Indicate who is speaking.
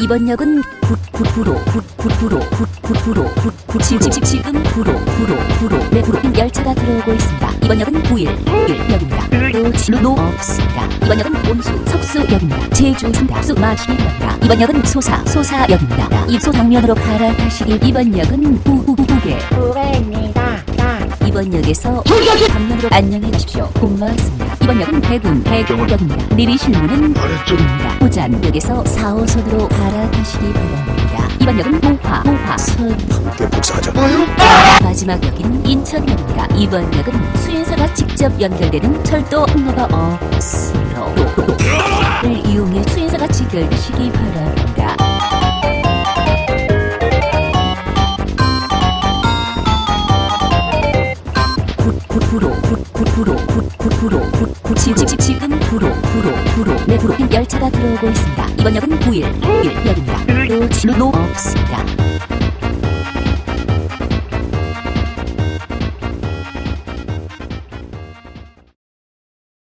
Speaker 1: 이번 역은 지금 구로 열차가 들어오고 있습니다. 이번 역은 9일 노 없습니다. 이번 역은 온수 석수역입니다. 제주 상다 마시입니다. 이번 역은 소사역입니다. 입소 방면으로 갈아타시기. 이번 역은
Speaker 2: 구례입니다.
Speaker 1: 이번 역에서 방면으로 안녕히 가십시오. 고맙습니다. 이번 역은 대구역입니다. 내리실 문은 아래쪽입니다. 호잔역에서 4호선으로 갈아타시기 바랍니다. 이번 역은 모화선
Speaker 3: 함께 복사하자.
Speaker 1: 마지막 역인 인천역입니다. 이번 역은 수행사가 직접 연결되는 철도 통로가 없으므로 를 이용해 수행사가 직결되시기 바랍니다. 지금 구로 열차가 들어오고 있습니다. 이번 역은 9일역입니다. 노 없습니다.